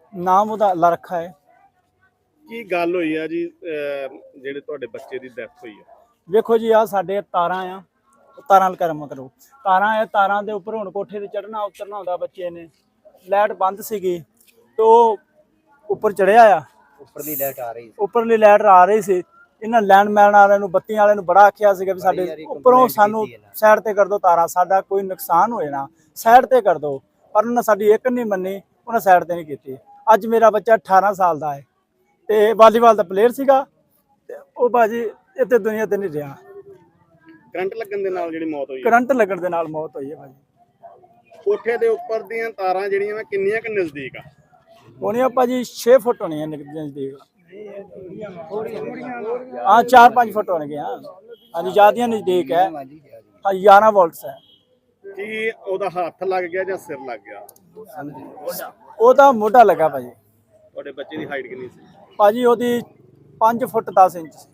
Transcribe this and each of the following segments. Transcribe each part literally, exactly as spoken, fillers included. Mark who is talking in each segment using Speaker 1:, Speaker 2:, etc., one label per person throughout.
Speaker 1: ਨਾਮ ਉਹਦਾ ਅੱਲਾ ਰੱਖਾ ਹੈ।
Speaker 2: ਕੀ ਗੱਲ ਹੋਈ ਆ ਜੀ ਜਿਹੜੇ ਤੁਹਾਡੇ ਬੱਚੇ ਦੀ ਡੈਥ ਹੋਈ ਆ?
Speaker 1: ਵੇਖੋ ਜੀ ਆ ਸਾਡੇ ਤਾਰਾਂ ਆ, ਤਾਰਾਂ ਕਰਮ ਕਰੋ, ਤਾਰਾਂ ਆ, ਤਾਰਾਂ ਦੇ ਉੱਪਰ ਹੁਣ ਕੋਠੇ ਤੇ ਚੜਨਾ ਉਤਰਨਾ ਹੁੰਦਾ ਬੱਚੇ ਨੇ। ਲਾਈਟ ਬੰਦ ਸੀਗੀ ਤੇ ਉਹ ਉੱਪਰ ਚੜਿਆ ਆ,
Speaker 3: ਉੱਪਰਲੀ ਲਾਈਟ ਆ ਰਹੀ ਸੀ,
Speaker 1: ਉੱਪਰਲੀ ਲਾਈਟ ਆ ਰਹੀ ਸੀ। ਇਹਨਾਂ ਲੈਂਡਮੈਨ ਵਾਲਿਆਂ ਨੂੰ, ਬੱਤੀਆਂ ਵਾਲਿਆਂ ਨੂੰ ਬੜਾ ਆਖਿਆ ਸੀਗਾ ਵੀ ਸਾਡੇ ਉੱਪਰੋਂ ਸਾਨੂੰ ਸਾਈਡ ਤੇ ਕਰ ਦਿਓ ਤਾਰਾਂ, ਸਾਡਾ ਕੋਈ ਨੁਕਸਾਨ ਹੋਏ ਨਾ, ਸਾਈਡ ਤੇ ਕਰ ਦਿਓ। ਪਰ ਉਹਨਾਂ ਸਾਡੀ ਇੱਕ ਨਹੀਂ ਮੰਨੀ, ਉਹਨਾਂ ਸਾਈਡ ਤੇ ਨਹੀਂ ਕੀਤੀ। ਅੱਜ ਮੇਰਾ ਬੱਚਾ ਅਠਾਰਾਂ ਸਾਲ ਦਾ ਹੈ ਤੇ ਵਾਲੀਬਾਲ ਦਾ ਪਲੇਅਰ ਸੀਗਾ ਤੇ ਉਹ ਬਾਜੀ ਇੱਥੇ ਦੁਨੀਆ ਤੇ ਨਹੀਂ ਰਿਹਾ।
Speaker 2: ਕਰੰਟ ਲੱਗਣ ਦੇ ਨਾਲ ਜਿਹੜੀ ਮੌਤ ਹੋਈ?
Speaker 1: ਕਰੰਟ ਲੱਗਣ ਦੇ ਨਾਲ ਮੌਤ ਹੋਈ ਹੈ ਭਾਜੀ।
Speaker 2: ਕੋਠੇ ਦੇ ਉੱਪਰ ਦੀਆਂ ਤਾਰਾਂ ਜਿਹੜੀਆਂ ਵਾ ਕਿੰਨੀਆਂ ਕੁ ਨਜ਼ਦੀਕ ਆ?
Speaker 1: ਹੋਣੀਆਂ ਭਾਜੀ ਛੇ ਫੁੱਟ ਹੋਣੀਆਂ ਨਜ਼ਦੀਕ, ਹਾਂ ਚਾਰ ਪੰਜ ਫੁੱਟ ਹੋਣਗੇ। ਹਾਂ ਹਾਂਜੀ ਜ਼ਿਆਦੀਆਂ ਨਜ਼ਦੀਕ ਹੈ। ਹਾਂ ਗਿਆਰਾਂ ਵੋਲਟਸ ਹੈ।
Speaker 2: ਕੀ ਉਹਦਾ ਹੱਥ ਲੱਗ ਗਿਆ ਜਾਂ ਸਿਰ ਲੱਗ ਗਿਆ?
Speaker 1: ਉਹਦਾ ਮੋਢਾ ਲੱਗਾ ਭਾਜੀ।
Speaker 2: ਤੁਹਾਡੇ ਬੱਚੇ ਦੀ ਹਾਈਟ ਕਿੰਨੀ ਸੀ?
Speaker 1: ਭਾਜੀ ਉਹਦੀ ਪੰਜ ਫੁੱਟ ਦਸ ਇੰਚ ਸੀ।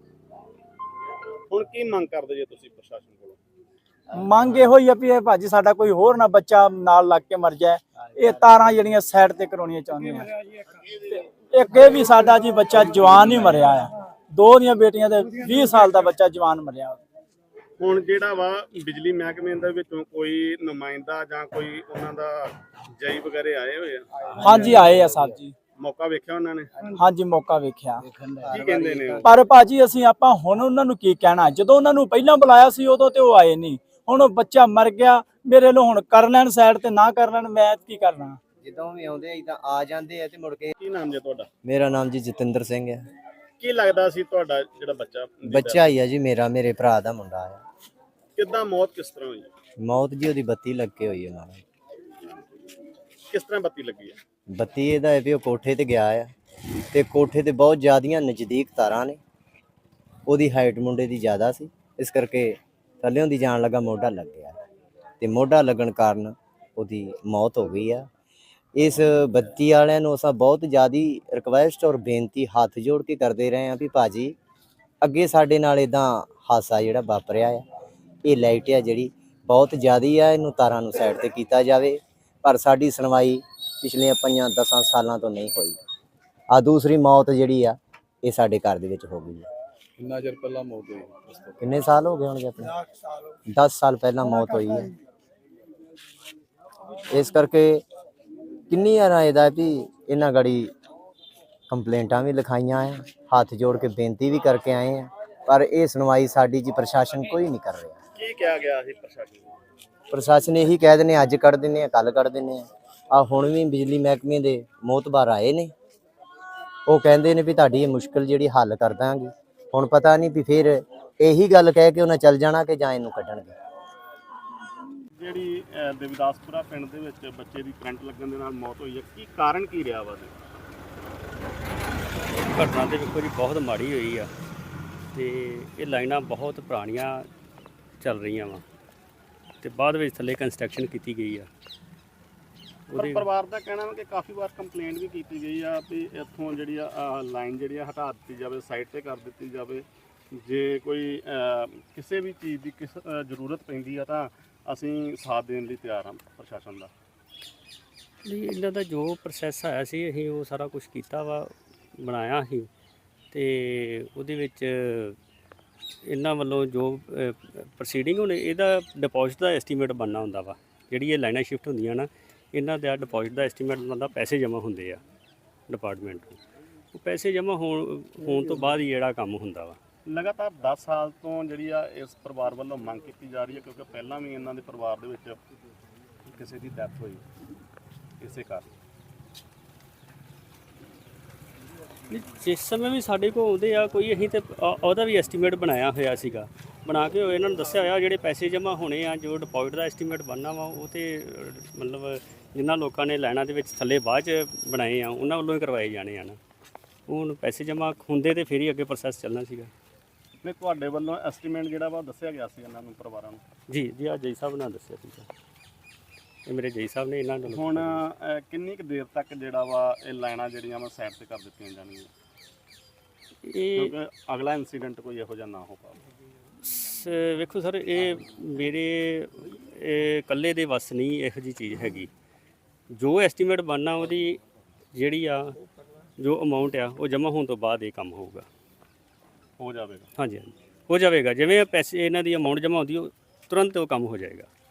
Speaker 2: ਹੁਣ ਕੀ ਮੰਗ ਕਰਦੇ ਜੇ ਤੁਸੀਂ ਪ੍ਰਸ਼ਾਸਨ ਕੋਲੋਂ?
Speaker 1: ਮੰਗ ਇਹੋ ਹੀ ਆ ਵੀ ਇਹ ਭਾਜੀ ਸਾਡਾ ਕੋਈ ਹੋਰ ਨਾ ਬੱਚਾ ਨਾਲ ਲੱਗ ਕੇ ਮਰ ਜਾਏ। ਇਹ ਤਾਰਾਂ ਜਿਹੜੀਆਂ ਸਾਈਡ ਤੇ ਕਰਾਉਣੀਆਂ ਚਾਹੁੰਦੇ ਆ। ਇੱਕ ਇਹ ਵੀ ਸਾਡਾ ਜੀ ਬੱਚਾ ਜਵਾਨ ਹੀ ਮਰਿਆ ਆ, ਦੋ ਦੀਆਂ ਬੇਟੀਆਂ ਦੇ ਵੀਹ ਸਾਲ ਦਾ ਬੱਚਾ ਜਵਾਨ ਮਰਿਆ।
Speaker 2: ਹੁਣ ਜਿਹੜਾ ਵਾ ਬਿਜਲੀ ਮਹਿਕਮੇ ਦੇ ਵਿੱਚੋਂ ਕੋਈ ਨੁਮਾਇੰਦਾ ਜਾਂ ਕੋਈ ਉਹਨਾਂ ਦਾ ਜਈ ਵਗੈਰੇ ਆਏ ਹੋਏ ਆ?
Speaker 1: ਹਾਂਜੀ ਆਏ ਆ ਸਾਹਿਬ ਜੀ।
Speaker 2: ਮੌਕਾ ਵੇਖਿਆ ਉਹਨਾਂ ਨੇ?
Speaker 1: ਹਾਂਜੀ ਮੌਕਾ ਵੇਖਿਆ।
Speaker 2: ਕੀ ਕਹਿੰਦੇ ਨੇ ਉਹ?
Speaker 1: ਪਰ ਭਾਜੀ ਅਸੀਂ ਆਪਾਂ ਹੁਣ ਉਹਨਾਂ ਨੂੰ ਕੀ ਕਹਿਣਾ, ਜਦੋਂ ਉਹਨਾਂ ਨੂੰ ਪਹਿਲਾਂ ਬੁਲਾਇਆ ਸੀ ਉਦੋਂ ਤੇ ਉਹ ਆਏ ਨਹੀਂ। ਹੁਣ ਉਹ ਬੱਚਾ ਮਰ ਗਿਆ, ਮੇਰੇ ਲੋ ਹੁਣ ਕਰ ਲੈਣ ਸਾਈਡ ਤੇ ਨਾ ਕਰ ਲੈਣ, ਮੈਂ ਕੀ ਕਰਨਾ।
Speaker 3: ਜਦੋਂ ਵੀ ਆਉਂਦੇ ਇਦਾਂ ਆ ਜਾਂਦੇ ਆ ਤੇ ਮੁੜ ਕੇ।
Speaker 2: ਕੀ ਨਾਮ ਜੇ ਤੁਹਾਡਾ?
Speaker 3: ਮੇਰਾ ਨਾਮ ਜੀ ਜਤਿੰਦਰ ਸਿੰਘ ਹੈ।
Speaker 2: ਕੀ ਲੱਗਦਾ ਸੀ ਤੁਹਾਡਾ ਜਿਹੜਾ ਬੱਚਾ?
Speaker 3: ਬੱਚਾ ਹੀ ਆ ਜੀ ਮੇਰਾ, ਮੇਰੇ ਭਰਾ ਦਾ ਮੁੰਡਾ ਆ।
Speaker 2: ਕਿੱਦਾਂ ਮੌਤ ਕਿਸ ਤਰ੍ਹਾਂ ਹੋਈ?
Speaker 3: ਮੌਤ ਜੀ ਉਹਦੀ ਬੱਤੀ ਲੱਗ ਕੇ ਹੋਈ ਹੈ ਨਾਲ।
Speaker 2: ਕਿਸ ਤਰ੍ਹਾਂ ਬੱਤੀ ਲੱਗੀ ਹੈ?
Speaker 3: ਬੱਤੀ ਇਹਦਾ ਹੈ ਵੀ ਉਹ ਕੋਠੇ ਤੇ ਗਿਆ ਆ ਤੇ ਕੋਠੇ ਤੇ ਬਹੁਤ ਜ਼ਿਆਦੀਆਂ ਨਜ਼ਦੀਕ ਤਾਰਾਂ ਨੇ। ਉਹਦੀ ਹਾਈਟ ਮੁੰਡੇ ਦੀ ਜ਼ਿਆਦਾ ਸੀ, ਇਸ ਕਰਕੇ ਥੱਲਿਓਂ ਦੀ ਜਾਣ ਲੱਗਾ ਮੋਢਾ ਲੱਗ ਗਿਆ ਤੇ ਮੋਢਾ ਲੱਗਣ ਕਾਰਨ ਉਹਦੀ ਮੌਤ ਹੋ ਗਈ ਆ। ਇਸ ਬੱਤੀ ਵਾਲਿਆਂ ਨੂੰ ਅਸਾਂ ਬਹੁਤ ਜ਼ਿਆਦਾ ਰਿਕੁਐਸਟ ਔਰ ਬੇਨਤੀ ਹੱਥ ਜੋੜ ਕੇ ਕਰਦੇ ਰਹੇ ਹਾਂ ਵੀ ਭਾਜੀ ਅੱਗੇ ਸਾਡੇ ਨਾਲ ਇਦਾਂ ਹਾਦਸਾ ਜਿਹੜਾ ਵਾਪਰਿਆ ਆ, ਇਹ ਲਾਈਟ ਆ ਜਿਹੜੀ ਬਹੁਤ ਜ਼ਿਆਦਾ ਆ, ਇਹਨੂੰ ਤਾਰਾਂ ਨੂੰ ਸਾਈਡ ਤੇ ਕੀਤਾ ਜਾਵੇ। ਪਰ ਸਾਡੀ ਸੁਣਵਾਈ ਪਿਛਲੀਆਂ ਪੰਜਾਂ ਦਸਾਂ ਸਾਲਾਂ ਤੋਂ ਨਹੀਂ ਹੋਈ। ਆ ਦੂਸਰੀ ਮੌਤ ਜਿਹੜੀ ਆ ਇਹ ਸਾਡੇ ਘਰ ਦੇ ਵਿੱਚ ਹੋ ਗਈ ਹੈ।
Speaker 2: ਕਿੰਨਾ ਚਿਰ ਪਹਿਲਾਂ ਮੌਤ ਹੋਈ?
Speaker 3: ਕਿੰਨੇ ਸਾਲ ਹੋ ਗਏ ਹੋਣਗੇ ਆਪਣੇ? ਦਸ ਸਾਲ ਪਹਿਲਾਂ ਮੌਤ ਹੋਈ ਹੈ। ਇਸ ਕਰਕੇ ਕਿੰਨੀ ਵਾਰ ਇਹਦਾ ਵੀ ਇਹਨਾਂ ਗੜੀ ਕੰਪਲੇਂਟਾਂ ਵੀ ਲਿਖਾਈਆਂ ਆ, ਹੱਥ ਜੋੜ ਕੇ ਬੇਨਤੀ ਵੀ ਕਰਕੇ ਆਏ ਆ, ਪਰ ਇਹ ਸੁਣਵਾਈ ਸਾਡੀ ਜੀ ਪ੍ਰਸ਼ਾਸਨ ਕੋਈ ਨਹੀਂ ਕਰ ਰਿਹਾ।
Speaker 2: ਕੀ ਕਿਹਾ ਗਿਆ ਸੀ ਪ੍ਰਸ਼ਾਸਨ ਨੂੰ?
Speaker 3: ਪ੍ਰਸ਼ਾਸਨ ਇਹੀ ਕਹਿ ਦਿੰਦੇ ਅੱਜ ਕੱਢ ਦਿੰਦੇ ਆ, ਕੱਲ ਕੱਢ ਦਿੰਦੇ ਆ। ਆ ਹੁਣ ਵੀ ਬਿਜਲੀ ਮਹਿਕਮੇ ਦੇ ਮੋਹਤਬਾਰ ਆਏ ਨੇ, ਉਹ ਕਹਿੰਦੇ ਨੇ ਵੀ ਤੁਹਾਡੀ ਇਹ ਮੁਸ਼ਕਿਲ ਜਿਹੜੀ ਹੱਲ ਕਰ ਦਾਂਗੇ। ਹੁਣ ਪਤਾ ਨਹੀਂ ਵੀ ਫਿਰ ਇਹੀ ਗੱਲ ਕਹਿ ਕੇ ਉਹਨਾਂ ਚੱਲ ਜਾਣਾ ਕਿ ਜਾਂ ਇਹਨੂੰ ਕੱਢਣਗੇ।
Speaker 2: ਜਿਹੜੀ ਦੇਵਦਾਸਪੁਰਾ ਪਿੰਡ ਦੇ ਵਿੱਚ ਬੱਚੇ ਦੀ ਕਰੰਟ ਲੱਗਣ ਦੇ ਨਾਲ ਮੌਤ ਹੋਈ ਹੈ, ਕੀ ਕਾਰਨ ਕੀ ਰਿਹਾ ਵਾ?
Speaker 4: ਘਟਨਾ ਤੇ ਵੇਖੋ ਜੀ ਬਹੁਤ ਮਾੜੀ ਹੋਈ ਆ ਤੇ ਇਹ ਲਾਈਨਾਂ ਬਹੁਤ ਪੁਰਾਣੀਆਂ ਚੱਲ ਰਹੀਆਂ ਵਾ ਤੇ ਬਾਅਦ ਵਿੱਚ ਥੱਲੇ ਕੰਸਟਰਕਸ਼ਨ ਕੀਤੀ ਗਈ ਆ।
Speaker 2: ਪਰ ਪਰਿਵਾਰ ਦਾ ਕਹਿਣਾ ਹੈ ਕਿ ਕਾਫੀ ਵਾਰ ਕੰਪਲੇਂਟ ਵੀ ਕੀਤੀ ਗਈ ਆ ਵੀ ਇੱਥੋਂ ਜਿਹੜੀ ਆ ਲਾਈਨ ਜਿਹੜੀ ਆ ਹਟਾ ਦਿੱਤੀ ਜਾਵੇ, ਸਾਈਡ ਤੇ ਕਰ ਦਿੱਤੀ ਜਾਵੇ। ਜੇ ਕੋਈ ਕਿਸੇ ਵੀ ਚੀਜ਼ ਦੀ ਕਿਸ ਜ਼ਰੂਰਤ ਪੈਂਦੀ ਆ ਤਾਂ ਅਸੀਂ ਸਾਥ ਦੇਣ ਲਈ ਤਿਆਰ ਹਾਂ ਪ੍ਰਸ਼ਾਸਨ ਦਾ।
Speaker 4: ਨਹੀਂ ਇਹਨਾਂ ਦਾ ਜੋ ਪ੍ਰੋਸੈਸ ਆਇਆ ਸੀ ਅਸੀਂ ਉਹ ਸਾਰਾ ਕੁਝ ਕੀਤਾ ਵਾ, ਬਣਾਇਆ ਸੀ ਤੇ ਉਹਦੇ ਵਿੱਚ ਇਹਨਾਂ ਵੱਲੋਂ ਜੋ ਪ੍ਰੋਸੀਡਿੰਗ ਹੁਣ ਇਹਦਾ ਡਿਪੋਜ਼ਿਟ ਦਾ ਐਸਟੀਮੇਟ ਬਣਨਾ ਹੁੰਦਾ ਵਾ। ਜਿਹੜੀ ਇਹ ਲਾਈਨਾਂ ਸ਼ਿਫਟ ਹੁੰਦੀਆਂ ਨਾ, ਇਹਨਾਂ ਦਾ ਡਿਪੋਜ਼ਿਟ ਦਾ ਐਸਟੀਮੇਟ ਬਣਦਾ, ਪੈਸੇ ਜਮ੍ਹਾਂ ਹੁੰਦੇ ਆ ਡਿਪਾਰਟਮੈਂਟ ਨੂੰ। ਉਹ ਪੈਸੇ ਜਮ੍ਹਾਂ ਹੋਣ ਹੋਣ ਤੋਂ ਬਾਅਦ ਹੀ ਜਿਹੜਾ ਕੰਮ ਹੁੰਦਾ ਵਾ।
Speaker 2: ਲਗਾਤਾਰ ਦਸ ਸਾਲ ਤੋਂ ਜਿਹੜੀ ਆ ਇਸ ਪਰਿਵਾਰ ਵੱਲੋਂ ਮੰਗ ਕੀਤੀ ਜਾ ਰਹੀ ਹੈ, ਕਿਉਂਕਿ ਪਹਿਲਾਂ ਵੀ ਇਹਨਾਂ ਦੇ ਪਰਿਵਾਰ ਦੇ ਵਿੱਚ ਕਿਸੇ ਦੀ ਡੈਥ ਹੋਈ ਇਸੇ ਕਾਰਨ।
Speaker 4: ਜਿਸ ਸਮੇਂ ਵੀ ਸਾਡੇ ਕੋਲ ਆਉਂਦੇ ਆ ਕੋਈ, ਅਸੀਂ ਤੇ ਉਹਦਾ ਵੀ ਐਸਟੀਮੇਟ ਬਣਾਇਆ ਹੋਇਆ ਸੀਗਾ, ਬਣਾ ਕੇ ਇਹਨਾਂ ਨੂੰ ਦੱਸਿਆ ਹੋਇਆ ਜਿਹੜੇ ਪੈਸੇ ਜਮ੍ਹਾਂ ਹੋਣੇ ਆ, ਜੋ ਡਿਪੋਜ਼ਿਟ ਦਾ ਐਸਟੀਮੇਟ ਬਣਨਾ ਵਾ ਉਹ ਤੇ ਮਤਲਬ ਜਿਨ੍ਹਾਂ ਲੋਕਾਂ ਨੇ ਲਾਈਨਾਂ ਦੇ ਵਿੱਚ ਥੱਲੇ ਬਾਅਦ 'ਚ ਬਣਾਏ ਆ ਉਹਨਾਂ ਵੱਲੋਂ ਹੀ ਕਰਵਾਏ ਜਾਣੇ ਆ ਨਾ। ਹੁਣ ਪੈਸੇ ਜਮ੍ਹਾਂ ਹੁੰਦੇ ਤੇ ਫਿਰ ਹੀ ਅੱਗੇ ਪ੍ਰੋਸੈਸ ਚੱਲਣਾ ਸੀਗਾ।
Speaker 2: ਨਹੀਂ ਤੁਹਾਡੇ ਵੱਲੋਂ ਐਸਟੀਮੇਟ ਜਿਹੜਾ ਵਾ ਦੱਸਿਆ ਗਿਆ ਸੀ ਇਹਨਾਂ ਨੂੰ ਪਰਿਵਾਰਾਂ ਨੂੰ?
Speaker 4: ਜੀ ਜੀ ਆ ਜੈ ਸਾਹਿਬ ਨੇ ਦੱਸਿਆ ਸੀਗਾ, ਇਹ ਮੇਰੇ ਜੈ ਸਾਹਿਬ ਨੇ ਇਹਨਾਂ ਨੂੰ।
Speaker 2: ਹੁਣ ਕਿੰਨੀ ਕੁ ਦੇਰ ਤੱਕ ਜਿਹੜਾ ਵਾ ਇਹ ਲਾਈਨਾਂ ਜਿਹੜੀਆਂ ਵਾ ਸਾਈਡ ਤੇ ਕਰ ਦਿੱਤੀਆਂ ਜਾਣਗੀਆਂ,
Speaker 4: ਇਹ
Speaker 2: ਕਿਉਂਕਿ ਅਗਲਾ ਇਨਸੀਡੈਂਟ ਕੋਈ ਇਹੋ ਜਿਹਾ ਨਾ ਹੋ ਪਾਵੇ?
Speaker 4: ਵੇਖੋ ਸਰ, ਇਹ ਮੇਰੇ ਇਕੱਲੇ ਦੇ ਵੱਸ ਨਹੀਂ ਇਹੋ ਜਿਹੀ ਚੀਜ਼ ਹੈਗੀ। ਜੋ ਐਸਟੀਮੇਟ ਬਣਨਾ ਉਹਦੀ ਜਿਹੜੀ ਆ ਜੋ ਅਮਾਉਂਟ ਆ ਉਹ ਜਮ੍ਹਾਂ ਹੋਣ ਤੋਂ ਬਾਅਦ ਇਹ ਕੰਮ ਹੋਊਗਾ।
Speaker 2: ਹੋ ਜਾਵੇਗਾ।
Speaker 4: ਹਾਂਜੀ ਹਾਂਜੀ ਹੋ ਜਾਵੇਗਾ, ਜਿਵੇਂ ਪੈਸੇ ਇਹਨਾਂ ਦੀ ਅਮਾਉਂਟ ਜਮ੍ਹਾਂ ਹੁੰਦੀ ਉਹ ਤੁਰੰਤ ਉਹ ਕੰਮ ਹੋ ਜਾਏਗਾ।